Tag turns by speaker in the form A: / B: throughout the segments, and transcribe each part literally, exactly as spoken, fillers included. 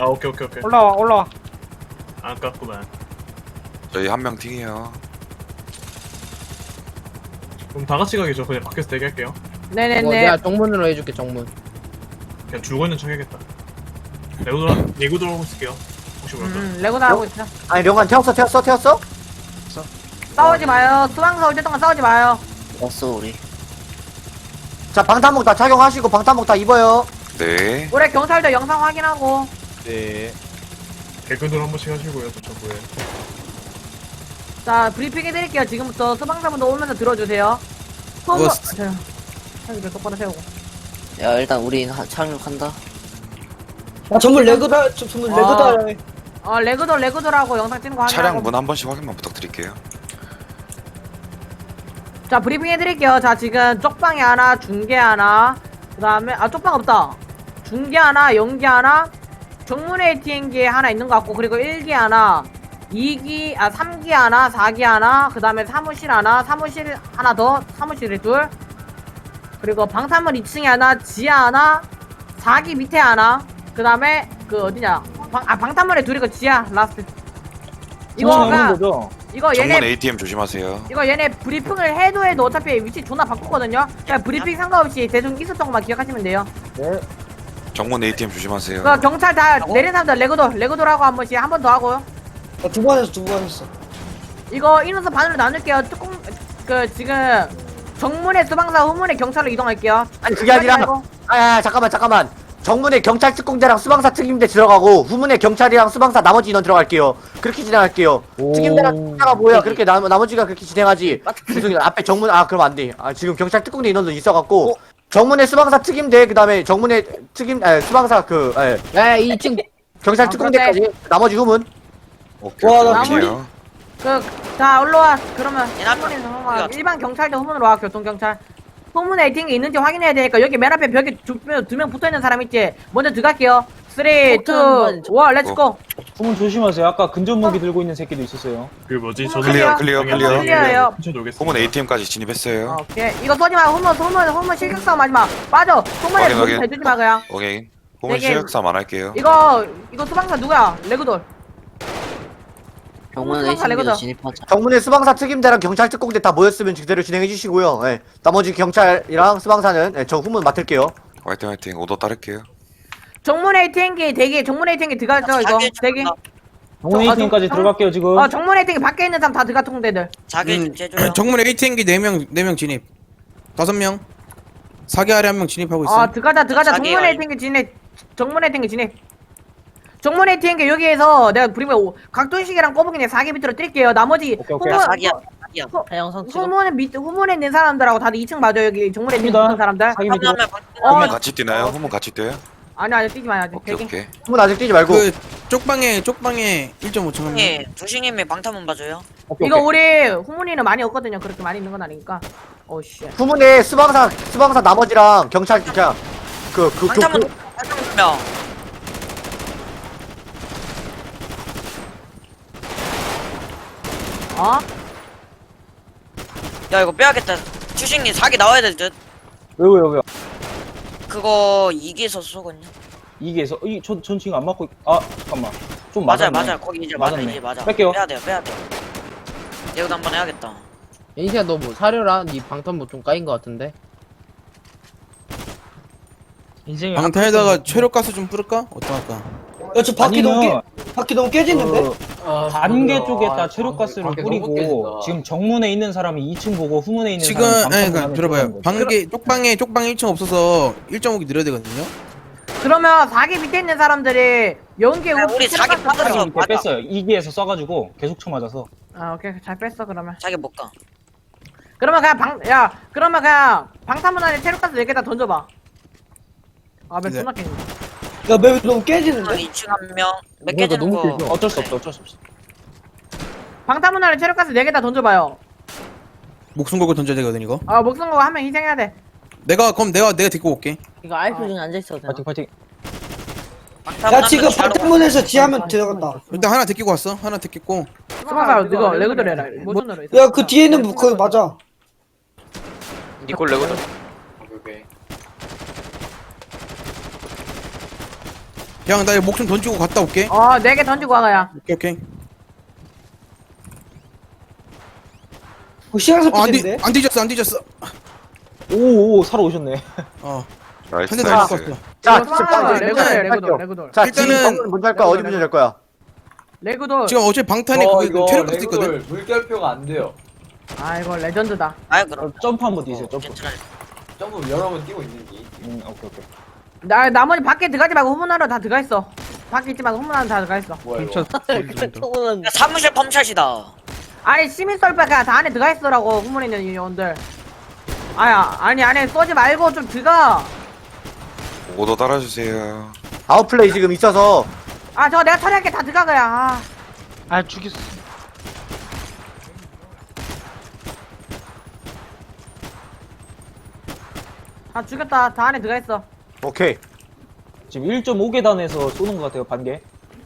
A: 아 오케이 오케이 오케이.
B: 올라와 올라와.
A: 아깝구만.
C: 저희 한 명 팅이에요.
A: 그럼 다 같이 가겠죠. 그냥 밖에서 대기할게요.
D: 뭐
B: 네네네.
D: 내가 정문으로 해줄게 정문.
A: 그냥 줄고 있는 척 해야겠다. 내구도 내구 들어오고 있을게요. 혹시 모르죠?
B: 음 레고나 하고 있어.
E: 아니 령관 태웠어 태웠어 태웠어?
B: 싸우지 마요. 수방사 올 때 동안 싸우지 마요.
F: 왔어 우리.
E: 자 방탄복 다 착용하시고 방탄복 다 입어요.
C: 네.
B: 올해 경찰도 영상 확인하고.
G: 네.
A: 개근들 한 번씩 하시고요. 도착 후에.
B: 자 브리핑 해드릴게요. 지금부터 수방사분도 오면서 들어주세요. 소모.
G: 그거-
B: 자, 여기를 똑바로 세우고.
F: 야 일단 우리 하- 착륙한다.
H: 아 전문 레그다 저- 전문
B: 아.
H: 레그다.
B: 어 레그돌 레그돌하고 영상 찍는 거 확인하고.
C: 차량 문 한 번씩 확인만 부탁드릴게요.
B: 자 브리핑 해드릴게요. 자 지금 쪽방에 하나, 중계 하나, 그 다음에 아 쪽방 없다. 중계 하나, 연기 하나, 정문에 에이티엠기 하나 있는 것 같고, 그리고 일 기 하나, 이 기, 아 삼 기 하나, 사 기 하나, 그 다음에 사무실 하나, 사무실 하나 더, 사무실에 둘, 그리고 방탄문 이 층에 하나, 지하 하나, 사 기 밑에 하나, 그 다음에 그 어디냐, 방, 아 방탄문에 둘이고 지하 라스트. 이거가
G: 거죠?
B: 이거 얘네
C: 정문 에이티엠 조심하세요.
B: 이거 얘네 브리핑을 해도 해도 어차피 위치 존나 바꾸거든요. 그냥 브리핑 상관없이 대충 있었던 것만 기억하시면 돼요.
C: 정문 에이티엠 조심하세요.
B: 그 경찰 다 내린 사람들 레고돌 레고돌하고 한 번씩 한 번 더 하고요.
H: 두 번 했어 두 번 했어.
B: 이거 인원수 반으로 나눌게요. 뚜껑 그 지금 정문에 수방사, 후문에 경찰로 이동할게요.
E: 아니 그게 아니라
B: 말고.
E: 아 잠깐만 잠깐만 정문에 경찰 특공대랑 수방사 특임대 들어가고 후문에 경찰이랑 수방사 나머지 인원 들어갈게요. 그렇게 진행할게요. 특임대랑 특공대가 뭐야 그렇게 나, 나머지가 그렇게 진행하지. 무슨 앞에 정문 아 그럼 안돼. 아 지금 경찰 특공대 인원도 있어갖고 정문에 수방사 특임대 그 다음에 정문에 특임 아 수방사 그 예,
D: 야 이 층
E: 경찰
B: 아,
E: 특공대까지 나머지 후문.
C: 오케이.
H: 와,
C: 오케이,
H: 나
C: 오케이요.
B: 그자 올라와. 그러면
F: 얘나
B: 후문에서
F: 우리가
B: 넘어가. 일반 경찰도 후문으로 와. 교통경찰. 후문에 에이팅이 있는지 확인해야 되니까 여기 맨 앞에 벽에 두 명 붙어있는 사람 있지. 먼저 들어갈게요. 삼, 이, 일, 렛츠고.
G: 후문 조심하세요. 아까 근접 무기 들고 있는 새끼도 있었어요.
A: 그 뭐지?
B: 후문
A: 저는
C: 클리어, 클리어,
A: 그냥
C: 클리어.
B: 클리어예요.
A: 천천히 오겠습니다.
C: 후문 에이티엠까지 진입했어요.
B: 오케이. 이거 쏘지 마. 후문, 후문, 후문 실격 싸움 하지 마. 빠져. 후문에
C: 확인,
B: 문
C: 확인.
B: 대주지 마, 그냥.
C: 오케이. 후문
B: 되게-
C: 시역삼 안 할게요.
B: 이거, 이거 수방사 누구야? 레그돌.
F: 병원
B: 수방사
F: 에이티엠기도
B: 레고다.
F: 진입하자.
E: 정문에 수방사 특임대랑 경찰 특공대 다 모였으면 그대로 진행해 주시고요. 예. 나머지 경찰이랑 수방사는 예, 저 후문 맡을게요.
C: 화이팅 화이팅. 오더 따를게요.
B: 정문 에이팅기 대기, 정문 에이팅기 들어가죠, 이거.
F: 자기
B: 대기.
G: 정문
B: 아,
G: 에이티엠까지
B: 정-
G: 들어갈게요 지금.
B: 어, 정문 에이팅기 밖에 있는 사람 다 들어가, 통대들.
F: 자기
I: 음,
F: 제조요.
I: 정문 에이티엠기 네 명, 네 명 진입. 다섯 명. 사기 아래 한 명 진입하고 있어.
B: 어, 들어가자, 들어가자.
F: 자기
B: 정문
F: 아이-
B: 에이팅기 진입. 정문 에이팅기 진입. 정문 에이팅기 여기에서 내가 부리면 각도식이랑 꼬부기네 사 개 밑으로 뛸게요. 나머지
G: 오케이, 오케이.
B: 후문,
F: 자기야. 자기야.
D: 영상 찍어.
B: 후문 밑, 후문에 있는 사람들하고 다들 이 층 맞아, 여기. 정문 에이팅기
G: 갑니다.
B: 있는 사람들.
G: 사기
F: 한
G: 밑으로.
F: 명만
B: 어,
C: 후문 같이 뛰나요? 후문 같이 뛰어요?
B: 아니, 아니, 뛰지 마요, 아직.
C: 오케이
B: 대기.
C: 오케이.
E: 후문 아직 뛰지 말고.
I: 그 쪽방에 쪽방에 일 점 오 층 한 명.
F: 예, 조식님이 방탄문 봐줘요.
G: 오케이,
B: 이거
G: 오케이.
B: 우리 후문이는 많이 없거든요. 그렇게 많이 있는 건 아니니까. 오씨.
E: 후문에 수방사 수방사 나머지랑 경찰 그냥 그그 그,
F: 방탄문
E: 그,
F: 방탄문 두 명.
B: 어?
F: 야 이거 빼야겠다. 조식님 사기 나와야 될 듯.
G: 왜요 왜요 왜요?
F: 그거 이 기에서 쏘거든요.
G: 이게서 이전 전 지금 안 맞고. 아 잠깐만. 좀
F: 맞아요,
G: 맞았네.
F: 맞아요. 거기 이제 맞아,
G: 맞았네.
F: 이제 맞아.
G: 뺄게요.
F: 빼야 돼요, 빼야 돼. 내가 한번 해야겠다.
D: 인시야 너 뭐 사려라. 니 방탄복 좀 까인 거 같은데.
H: 인생이.
I: 방탄에다가 최력가스 좀 뿌릴까? 어떡할까?
H: 야저 바퀴 너무
G: 아니면
H: 깨 바퀴 너무 깨지는데?
G: 그 반개 쪽에다 체력가스를 뿌리고 지금 정문에 있는 사람이 이 층 보고 후문에 있는
I: 지금
G: 사람이
I: 아니
G: 방탄복
I: 그러니까
G: 안에
I: 들어봐요.
G: 들어가는 거죠.
I: 방개 쪽방에 쪽방에 일 층 없어서 일 점 오 기 늘어야 되거든요.
B: 그러면 사 기 밑에 있는 사람들이 연계
F: 야, 우리 사기
B: 체력가스
F: 빠졌어.
B: 뿌려.
G: 사기 밑에
F: 맞아.
G: 뺐어요. 이 기에서 쏴가지고 계속 쳐 맞아서.
B: 아 오케이 잘 뺐어 그러면.
F: 자기 못 가.
B: 그러면 그냥 방 야 그러면 그냥 방탄문 안에 체력가스 네 개 다 던져봐. 아몇
I: 네.
B: 존나 깼네.
H: 야 맵이 너무 깨지는데?
F: 이 층 한 명. 몇
D: 뭐가
F: 개 되는
D: 너무
F: 거.
D: 길죠?
G: 어쩔 수 없어. 어쩔 수 없어.
B: 방탄문 안에 체력가스 네 개 다 던져봐요.
I: 목숨 걸고 던져야 되거든 이거.
B: 아 목숨 걸고 한 명 희생해야 돼.
I: 내가 그럼 내가 내가 데리고 올게.
D: 이거 아이플 중에 앉아 있어도 되나?
G: 파이팅 파이팅.
F: 방탄문
H: 야
F: 한
H: 지금
F: 명 바로
H: 방탄문에서 지하면 들어간다.
I: 일단 하나 데리고 왔어. 하나 데리고.
B: 수방사 이거 레그돌 해라. 모션으로 있어.
H: 야 그 뒤에 있는 뭐 거기 맞아.
J: 니콜 레고다.
I: 그냥 나 목숨 던지고 갔다 올게.
B: 어, 네 개 던지고 와가야.
I: 오케이 오케이.
H: 어, 시간
I: 어, 안, 뒤,
H: 섭득인데?
I: 안 뒤졌어 안 뒤졌어.
G: 오오 살아 오셨네.
I: 어.
C: 나이스
I: 한 대 더
C: 나이스.
I: 죽었어.
E: 자,
B: 이거
E: 지금
B: 쏴.
E: 빨리
B: 레그돌,
E: 레그돌
B: 레그돌, 레그돌.
E: 자,
I: 일단은-
E: 지금 방금 먼저 할 거야? 어디 먼저 할 거야?
B: 레그돌.
I: 지금 어제 방탄에
J: 어,
I: 그게
J: 이거
I: 체력가스 있거든.
J: 레그돌 물결표가 안 돼요.
B: 아, 이거 레전드다.
F: 아이 그럼
G: 점프 한번 뛰세요. 점프.
F: 괜찮아.
J: 점프 여러 번 뛰고 있는지.
G: 음 오케이 오케이.
B: 나, 나머지 밖에 들어가지 말고 후문하러 다 들어가 있어. 밖에 있지 말고 후문하러 다 들어가 있어.
J: 뭐야 이거?
F: 야, 사무실 펌샷이다.
B: 아니, 시민 썰바가 다 안에 들어가 있어라고, 후문에 있는 인원들. 아야, 아니, 안에 쏘지 말고 좀 들어가.
C: 오더 따라주세요.
E: 아웃플레이 지금 있어서
B: 아, 저거 내가 처리할게. 다 들어가야. 아.
J: 아 죽였어.
B: 다 죽였다. 다 안에 들어가 있어.
E: 오케이.
G: 지금 일 점 오 계단에서 쏘는 것 같아요. 반개.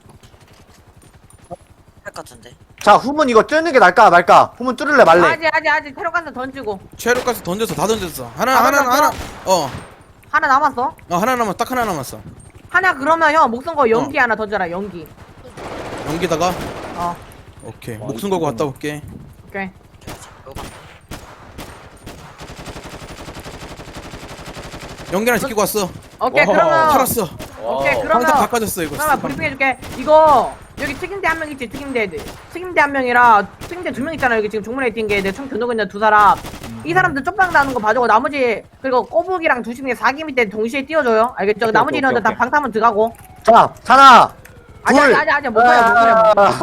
F: 할 같은데.
E: 자, 후문 이거 뚫는 게 날까 말까? 후문 뚫을래 말래?
B: 아직, 아직, 아직. 테러가스 던지고.
I: 체력가스 던졌어 다 던졌어. 하나
B: 다
I: 하나
B: 던졌어?
I: 하나. 어.
B: 하나 남았어.
I: 어 하나 남았 딱 하나 남았어.
B: 하나 그러면 형 목숨 거 연기 하나 던져라. 연기.
I: 연기다가
B: 어.
I: 오케이 목숨 걸고 갔다 올게.
B: 오케이.
I: 연기 하나 지키고 왔어.
B: 오케이.
G: 와,
B: 그러면.
I: 살았어.
B: 오케이.
I: 방탄
B: 그러면.
I: 바꿔줬어 이거.
B: 그러면 브리핑 해줄게. 이거 여기 특임대 한 명 있지. 특임대 특임대 한 명이라 특임대 두 명 있잖아. 여기 지금 종문에 뛴 게 내 총 겨누고 있는 두 사람. 이 사람들 쪽방 나는 거 봐주고 나머지 그리고 꼬북이랑 두식이 사기 밑에 동시에 띄워줘요. 알겠죠?
G: 오케이,
B: 나머지
G: 오케이,
B: 인원들 다
G: 오케이.
B: 방타면 들어가고.
E: 자, 하나,
B: 아니
E: 둘.
B: 아니 아니 아니 못 가요 못 가요.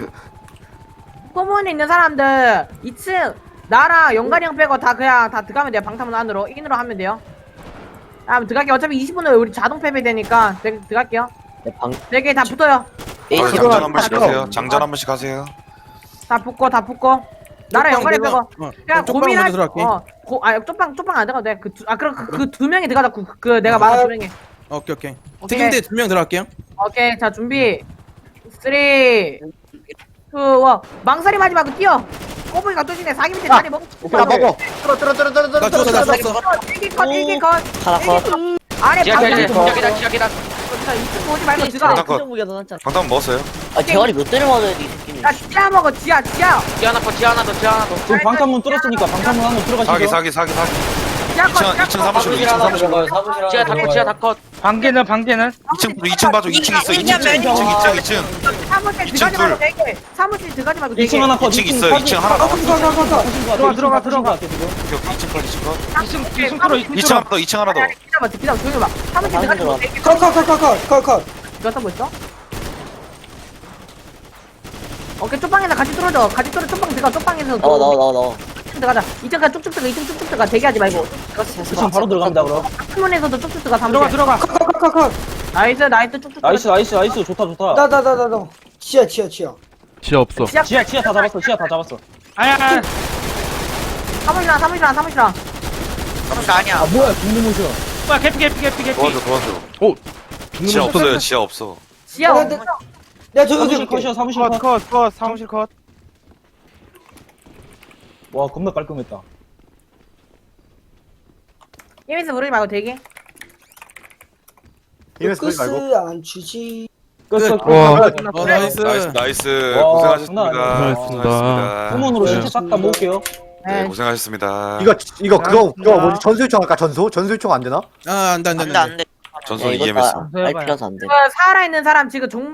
B: 꼬문에 있는 사람들 이 층 나랑 영관이 형 빼고 다 그냥 다 들어가면 돼요. 방타문 안으로 인으로 하면 돼요. 다음 들어갈게요. 어차피 이십 분 후에 우리 자동 패배되니까 네, 들어갈게요. 네 개 다 붙어요.
C: 아,
E: 지금
C: 장전 한 번씩
E: 딱
C: 하세요. 장전 한 번씩 하세요.
B: 다 붙고 다 붙고. 나랑 영관이 빼고.
I: 어,
B: 그냥
I: 쪽방
B: 고민할
I: 먼저 들어갈게.
B: 어, 고, 아 쪽방 쪽방 안 들어가도 돼. 그아 그럼 그 두 명이 들어가자. 그, 그 내가 말한 두 명이.
I: 오케이 오케이.
B: 오케이.
I: 특임대 두 명 들어갈게요.
B: 오케이 자 준비. 쓰리, 투, 원. 망설임 하지 말고 뛰어. 꼬부기가 뚜지네 사기 밑에
E: 야,
B: 다리 먹.
E: 나 먹어. 뚫어, 뚫어, 뚫어, 뚫어, 뚫어,
I: 나
E: 뚫어,
I: 죽었어 나
E: 뚫어.
I: 죽었어.
B: 일기 컷 일기 컷.
F: 하나 컷.
B: 아래
J: 지하
B: 방금
J: 계단, 지하 계단, 지하 계단.
B: 자 이층 보지 말고 들어가.
C: 방탄 컷. 방탄 먹었어요.
F: 아 대가리 몇 대를 맞아야 돼 이 새끼는.
B: 야 지하 먹어 지하 지하.
J: 지하 하나 더, 지하 하나 더, 지하 하나 더.
G: 지금 방탄문 뚫었으니까 방탄문 안으로 들어가시죠.
C: 사기 사기 사기 사기.
B: 지하 컷
C: 이층
B: 지하
C: 이층
B: 컷.
C: 사무실로 이층 사무실로.
J: 지하 다 컷, 지하 다 컷.
H: 반개는 반개는?
C: 이층 이층 봐줘. 이층 있어. 이층 이층 이층 이층 이층.
B: 사무실
C: 이층
B: 들어가지 말고
C: 둘.
B: 되게. 사무실 들어가지 말고 되게.
G: 이 층 하나 컷.
C: 이층
G: 이 층
C: 있어요.
G: 사기-
C: 이층 하나 남았어.
G: 들어가 들어가 들어가. 지금.
C: 오케이 오케이. 이층 빨리 찍어.
B: 이층 이층 뚫어
C: 이층 하나 더. 이층 하나 더.
B: 기다려봐 기다려 조용히 봐. 사무실 들어가지 말고 되게.
H: 컷컷컷컷컷컷.
B: 이거 쓰고 있어? 오케이 쪽방에서 같이 뚫어줘. 같이 뚫어 쪽방 들어가. 쪽방에서
F: 나와 나와 나와 나와.
B: 들어가자. 이층 가 쭉쭉 들어가. 이층 쭉쭉 들어가. 대기하지 말고.
G: 이 층 바로 들어갑니다 그럼.
B: 학문에서도 쭉쭉 들어가. 들어가 들어가.
H: 컷컷컷컷.
B: 나이스 나이스 쭉쭉.
G: 나이스 나이스 나이스 좋다 좋다.
H: 나 나 나 나 나. 지하 지하 지하.
K: 지하 없어.
B: 지하
G: 지하 지하 다 잡았어. 지하 다 잡았어.
H: 아야.
B: 사무실랑 사무실랑 사무실랑.
F: 사무실 아니야.
G: 아 뭐야 중무 모션.
H: 와 개피 개피 개피 개피.
C: 도와줘 도와줘.
K: 오.
C: 지하 없어요. 지하 없어.
B: 지하
H: 야,
B: 없어.
H: 야 저기
G: 사무실
H: 저기.
G: 컷이야 사무실 컷.
H: 컷컷 사무실 컷.
G: 와 겁나 깔끔했다.
B: 이미스 부르지 말고 대기.
E: 이래서 그러지 말고.
H: 끝을 안 주지.
G: 끝.
I: 끝.
G: 끝.
K: 와.
I: 어 나이스.
C: 나이스 나이스.
G: 와,
C: 고생하셨습니다.
G: 장난 아니야.
K: 고생하셨습니다.
G: 후문으로
K: 네.
G: 신체 싹 다 모을게요.
C: 네 고생하셨습니다.
E: 이거 이거 그거 그거 뭐지? 전수 요청 할까? 전수? 전수 요청 안 되나?
I: 아 안돼 안돼
F: 안돼 안돼.
C: 전선 이엠에스.
F: 알 필요서 안 돼.
B: 그 살아있는 사람 지금 종